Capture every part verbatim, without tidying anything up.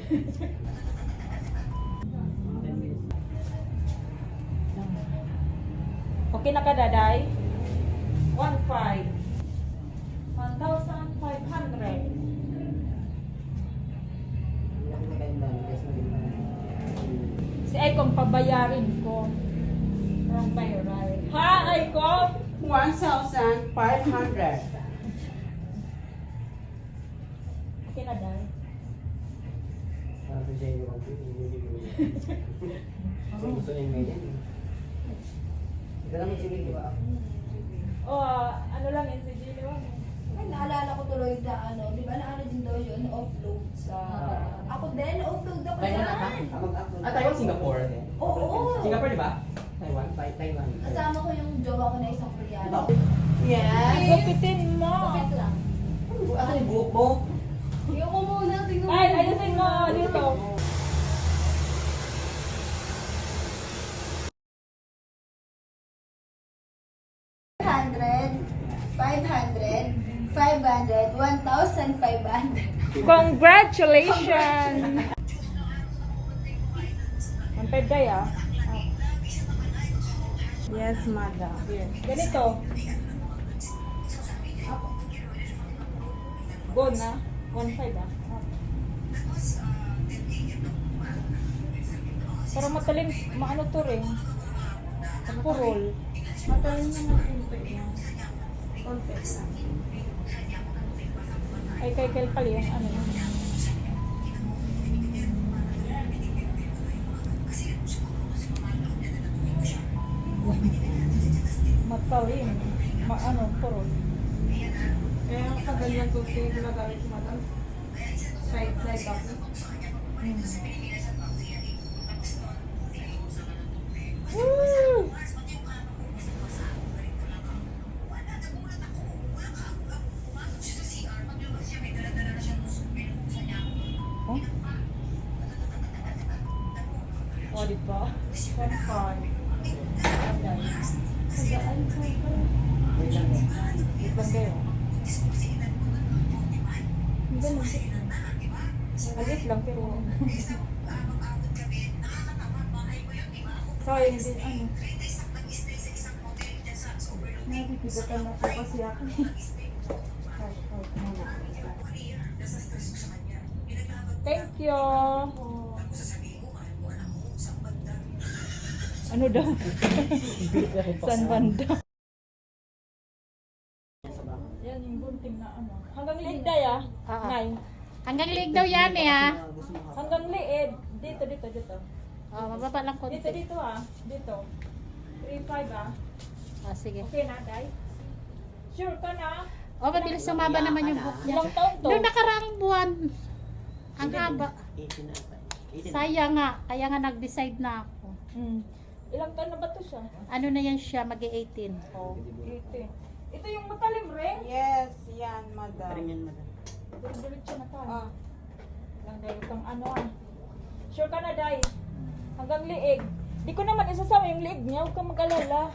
Okay na ka, Daday? one five. one thousand five hundred. Si Aiko pabayarin ko. Wrong bayaran. Ha, Aiko? one thousand five hundred. Okay na, Day? Gusto niya yung ganyan. Ito naman sige, di ba? O, ah, ano lang yun si Gino? Ay, naalala ko tuloy na ano, di ba na ano din daw yun, offload sa... Ako din, offload ako Taiwan na ka? yan. Ah, Taiwan, Singapore. Oo. Singapore, di ba? Taiwan, Tai- Taiwan. Kasama ko yung jowa ko na isang Koreano. Yes. Gupitin mo! Bakit lang? Ano yung buhok mo? Tingnan ko muna, tingnan mo. Ay, ayusin mo dito. five hundred, five hundred, one thousand five hundred. Congratulations! Ang peday ah. Yes, madam. Yes. Ganito. Go na. one five ah. Para matalim, maano to rin. Purol. Matayin naman yung pwede. Konti lang. Ay, kay Kelpal yung ano yun. Matalim. Ma ano, purol. Kaya ang kaganyan ko ito yung ginagamit si madam. Side, side ako. Hmm. Woo! Oh? Oh, di ba? one five. Wait lang eh. Wait lang kayo. Ang ganun. Alis lang pero... So, hindi, ano. Nabibigatan na po kasi ako. Right, right, muna. Thank you. Ano daw? San banda? Yan yung bunting na ano. Hanggang liig day ah. Oo. Nay. Hanggang liig daw yan eh ah. Hanggang liig. Dito, dito, dito. Oh, mababa lang konti. Dito, dito ah. Dito. three five ah. Oh, sige. Okay na, day? Sure ka na? Oh, mabilis sumaba naman yung book niya. Ilang taon to? Noong nakaraang buwan. Ang haba. eighteen na ata. eighteen. Sayang nga. Kaya nga nag-decide na ako. Hmm. Ilang taon na ba to siya? Ano na yan siya? mag-eighteen. Oh, eighteen. Ito yung matalim rin. Yes, yan, madam. Paring yan, madam. Diretso na tayo. Ah. Lang dahil itong ano ah. Sure ka na, day? Hanggang liig. Di ko naman isasama yung liig niya. Huwag kang mag-alala.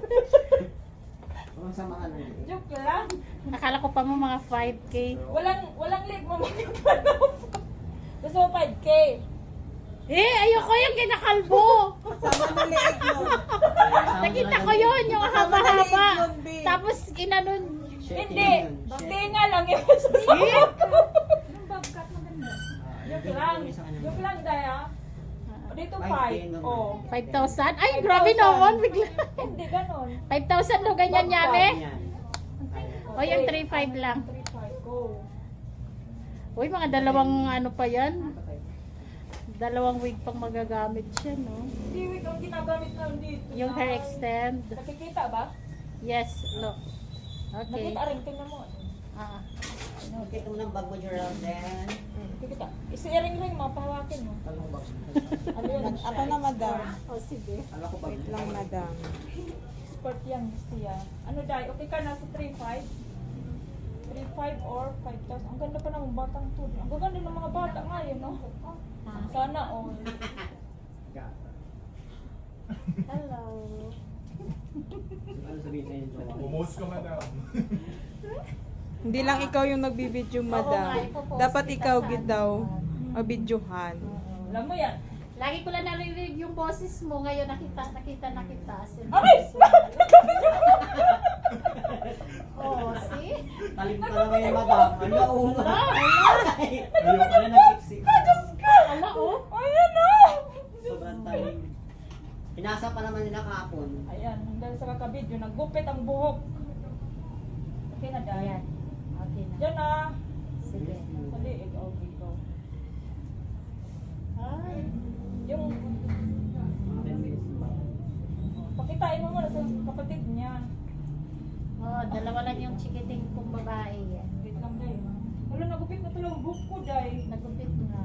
Kung sama ka lang. Joke lang. Akala ko pa mo mga five K. Walang, walang liig mo magpapalop. Gusto mo five K. Eh, ayoko yung ginakalbo. Sama na liig nun. Nakita ko yun, yung Sama na liig haba-haba. nun, B. Tapos inanon. Hindi. Hindi nga lang yung isasama ko. Yung bobcat maganda. Joke lang. Joke lang, day ah. O, dito five. Oh. five thousand? Ay, grabe naman. Bigla. Hindi, ganon. five thousand do ganyan yame. Yan. O, yung three five lang. three five, go. Uy, mga dalawang ano pa yan. Dalawang wig pang magagamit siya, no? Hindi, wait, ang ginagamit na dito. Yung hair extend. Nakikita ba? Yes, look. Okay. Nakita rin, tingnan mo. Ah. Okay, ito mo ng bag mo, Gerald, then. Nakikita. Isi-ring ring mo, pahawakin mo. Talong bag. Ano yun? Ako na, madam. Oh, sige. Alam ko bag. Wait lang, madam. Sport yan, siya. Ano dahil? Okay ka na sa three five? three five or five thousand. Ang ganda pa ng batang to. Ang ganda ng mga bata ngayon, no? Sana all. Hello. Ano sabihin sa inyo, jowa? Bumos ka, madam. Hindi lang ikaw yung nagbibideo, Oo madam. nga, ipopost Dapat kita ikaw sa gid daw. ano. O videohan. Alam mo yan. Lagi ko lang narinig yung boses mo. Ngayon nakita, nakita, nakita. Ay! Oh, see? Talim pa naman yung madam. Ano, oo nga. Ayaw ka na nag-fixi. Ala, oh. Ayan na! Sobrang talim. Pinasa pa naman nila kahapon. Ayan, dahil sa kakabidyo, naggupit ang buhok. Okay na, Day. Ayan. Okay na. Yan na. Sige. Sa liig, okay ko. Ay. Yung, Mga ten minutes pa. pakitain mo muna sa kapatid niya. Oh, dalawa lang yung chikiting kong babae. Wait lang, Day. Wala, nagupit na tulang buhok ko, Day. Nagupit na.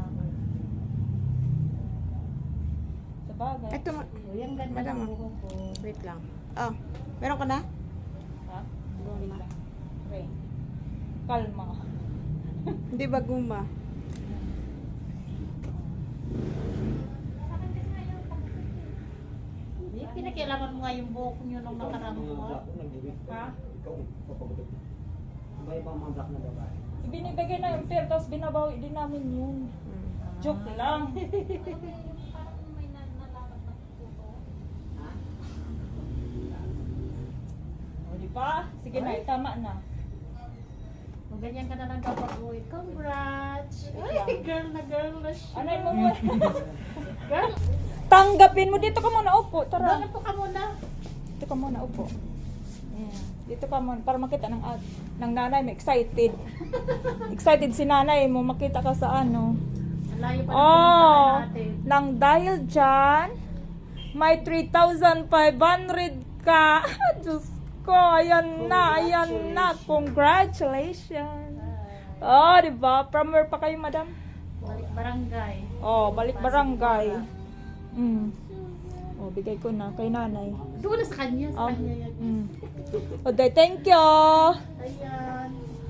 Sa bagay. Ito, ma- Oh, yung ganda Madam, ng buhok ko. wait lang. Oh, meron ka na? Ha? Wait lang. Okay. Kalma. Hindi ba guma? Hindi, pinakialaman mo nga yung buhok niyo nung nakarang Mga buwan. black, nag-ibig. Ha? Ikaw, papagutot. Iba iba ang mga black na babae. Ibinibigay na yung pair, tapos binabawi din namin yun. Joke lang. Ha? O, di ba? Sige na, tama na. Kung ganyan ka na lang kapag uwi, congrats! Ay, girl na girl na siya. Anay mo muna. Girl, Tanggapin mo. Dito ka muna, upo. Tara. doon po ka muna. Dito ka muna, upo. Ayan. Dito ka muna, para makita ng, ad- ng nanay mo. Excited. Excited si nanay mo. Makita ka sa ano. Ang layo pa ng Oh, pinuntahan natin. nang dahil dyan, may three thousand five hundred ka. Diyos ko, ayan na, ayan na. Congratulations. Oh, di ba? From where pa kayo, madam? Balik barangay. Oh, balik barangay. Mm. Oh, bigay ko na kay nanay. Doon na sa kanya, sa Oh. kanya yan. Mm. Okay, thank you. Ayan.